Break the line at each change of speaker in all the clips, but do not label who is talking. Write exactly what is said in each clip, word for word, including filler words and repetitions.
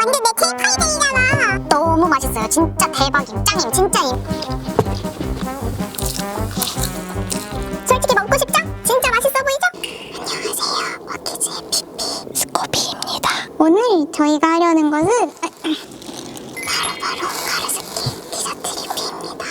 완전 내 K-파이들이잖아. 너무 맛있어요. 진짜 대박임. 짱임. 진짜임. 솔직히 먹고 싶죠? 진짜 맛있어 보이죠? 안녕하세요. 워키즈의 피피 스코비입니다. 오늘 저희가 하려는 것은 바로바로 가르스키 디저트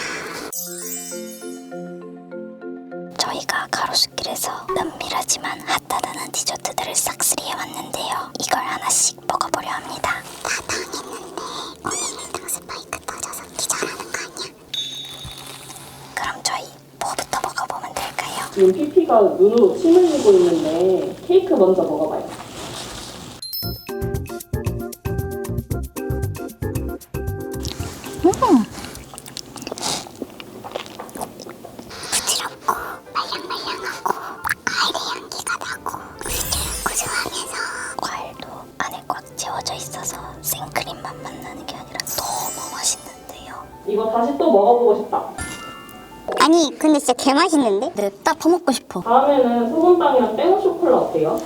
리뷰입니다. 저희가 가로수길에서 은밀하지만 핫하다는 디저트들을 싹쓸이해왔는데요. 이걸 하나씩 먹어보려 합니다. 다 당했는데 오늘 일등 스파이크 터져서 기절하는 거 아니야? 그럼 저희 뭐부터 먹어보면 될까요?
지금 피피가 눈으로 침 흘리고 있는데 케이크 먼저 먹어봐요.
음. 부드럽고 말랑말랑하고 과일의 향기가 나고 구수구수하면서 과일도 안에 꽉 채워져 있어서 생크림 맛만 나는 게 아니라 너무 맛있는데요.
이거 다시 또 먹어보고 싶다.
아니 근데 진짜 개맛있는데? 냅다 퍼먹고 싶어.
다음에는 소금빵이랑 땡오 쇼콜라 어때요?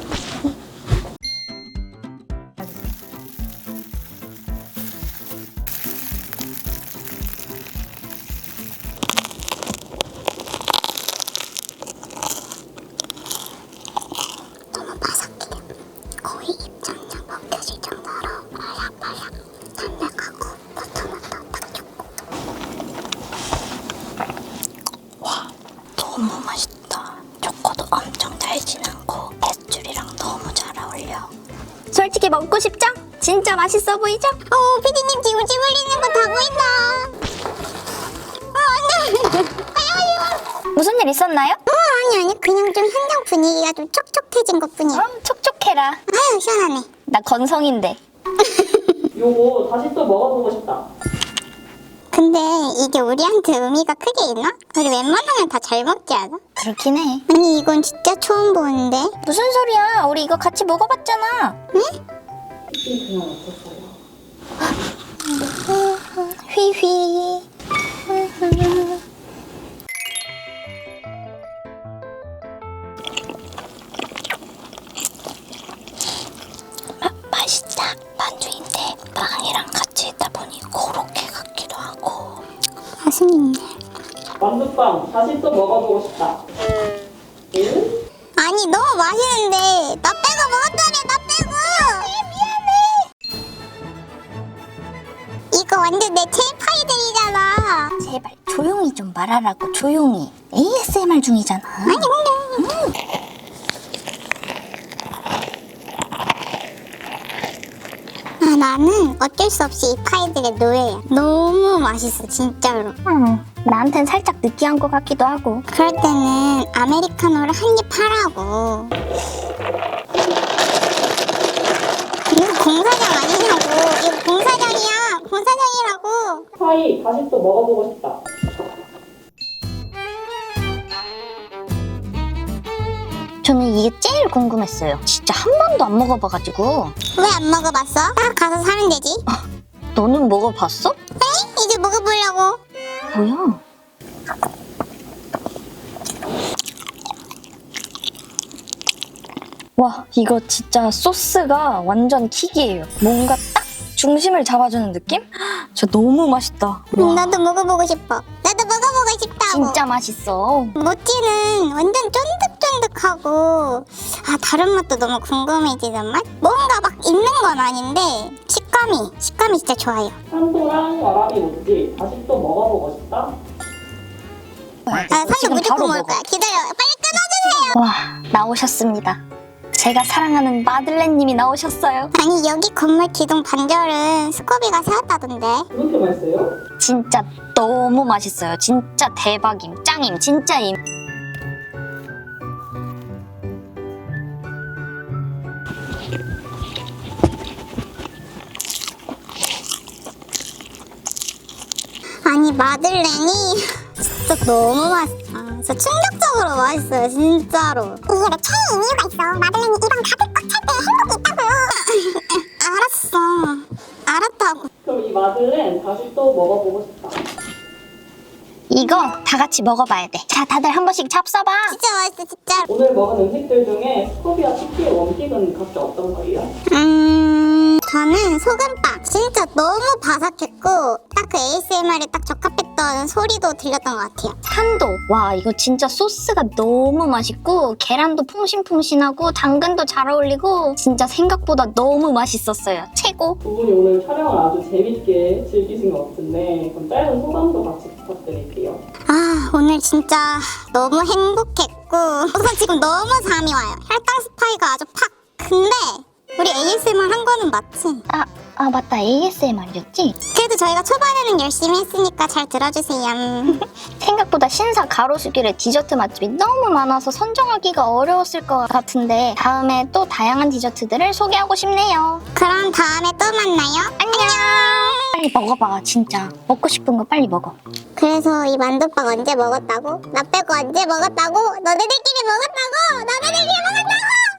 너무 바삭해. 거의 입천장 벗겨질 정도로 바삭바삭 담백하고 버터맛도 딱 좋고. 와 너무 맛있다. 초코도 엄청 달진 않고 뱃줄이랑 너무 잘 어울려. 솔직히 먹고 싶죠? 진짜 맛있어 보이죠? 어 피디님 지금 침 흘리는 거 다 보인다. 아 안돼.
무슨 일 있었나요?
어 아니 아니 그냥 좀 현장 분위기가 좀 촉촉해진 것 뿐이야.
그럼 촉촉해라.
아유 시원하네.
나 건성인데.
요거 다시 또 먹어보고 싶다.
근데 이게 우리한테 의미가 크게 있나? 우리 웬만하면 다 잘 먹지 않아?
그렇긴 해.
아니 이건 진짜 처음 보는데?
무슨 소리야? 우리 이거 같이 먹어봤잖아.
응?
피피 그냥 없었어요.
휘휘.
아, 맛있다. 반주인데 빵이랑 같이 있다 보니 고로케 같기도 하고. 맛있네.
만두빵 다시 또 먹어보고 싶다. 응?
아니 너무 맛있는데 나 빼고 먹었다며 나 빼고. 미안해. 이거 완전 내 K-파이들이잖아.
제발 조용히 좀 말하라고. 조용히. 에이에스엠알 중이잖아.
아니 근데 아 나는 어쩔 수 없이 이 파이들의 노예야. 너무 맛있어 진짜로.
음, 나한텐 살짝 느끼한 것 같기도 하고.
그럴 때는 아메리카노를 한 입 하라고. 이거 공사장 아니냐고. 이거 공사장이야. 공사장이라고.
파이 다시 또 먹어보고 싶다.
저는 이게 제일 궁금했어요. 진짜 한 번도 안 먹어봐가지고.
왜 안 먹어봤어? 딱 가서 사면 되지.
너는 먹어봤어?
에이? 이제 먹어보려고.
뭐야? 와, 이거 진짜 소스가 완전 킥이에요. 뭔가 딱 중심을 잡아주는 느낌? 진짜 너무 맛있다.
음,
와,
나도 먹어보고 싶어. 나도 먹어보고 싶다고.
진짜 맛있어.
모찌는 완전 쫀득쫀득하고 아 다른 맛도 너무 궁금해지는 맛? 뭔가 막 있는 건 아닌데 식감이 식감이 진짜 좋아요.
산도랑 와라비 모찌 다시 또 먹어보고 싶다.
아 산도
지금
무조건
바로
먹을
먹어.
거야. 기다려. 빨리 끊어주세요.
와, 나오셨습니다. 제가 사랑하는 마들렌님이 나오셨어요.
아니 여기 건물 기둥 반절은 스코비가 세웠다던데.
그렇게 맛있어요?
진짜 너무 맛있어요. 진짜 대박임, 짱임, 진짜임.
아니 마들렌이 진짜 너무 맛있어. 진짜 충격적으로 맛있어요 진짜로. 이게 내 최애 이유가 있어. 마들렌이 입안 가득 꽉 찰 때 행복이 있다고요. 알았어. 알았다고.
그럼 이 마들렌 다시 또 먹어보고 싶다.
이거 다 같이 먹어봐야 돼. 자, 다들 한 번씩 잡숴봐.
진짜 맛있어 진짜.
오늘 먹은 음식들 중에 스코비와 피피의 원픽은 각자 어떤 거예요?
음
저는 소금빵 진짜 너무 바삭했고 딱 그 에이에스엠알에 딱 적합했던 소리도 들렸던 것 같아요.
산도 와 이거 진짜 소스가 너무 맛있고 계란도 퐁신퐁신하고 당근도 잘 어울리고 진짜 생각보다 너무 맛있었어요. 최고.
두 분이 오늘 촬영을 아주 재밌게 즐기신 것 같은데 그럼 짧은 소감도 같이 부탁드릴게요.
아 오늘 진짜 너무 행복했고 우선 지금 너무 잠이 와요. 혈당 스파이가 아주 팍. 근데 우리 에이에스엠알 한 거는 맞지?
아, 아 맞다 에이에스엠알이었지?
그래도 저희가 초반에는 열심히 했으니까 잘 들어주세요.
생각보다 신사 가로수길에 디저트 맛집이 너무 많아서 선정하기가 어려웠을 것 같은데 다음에 또 다양한 디저트들을 소개하고 싶네요.
그럼 다음에 또 만나요. 안녕.
빨리 먹어봐 진짜. 먹고 싶은 거 빨리 먹어.
그래서 이 만두빵 언제 먹었다고? 나 빼고 언제 먹었다고? 너네들끼리 먹었다고? 너네들끼리 먹었다고?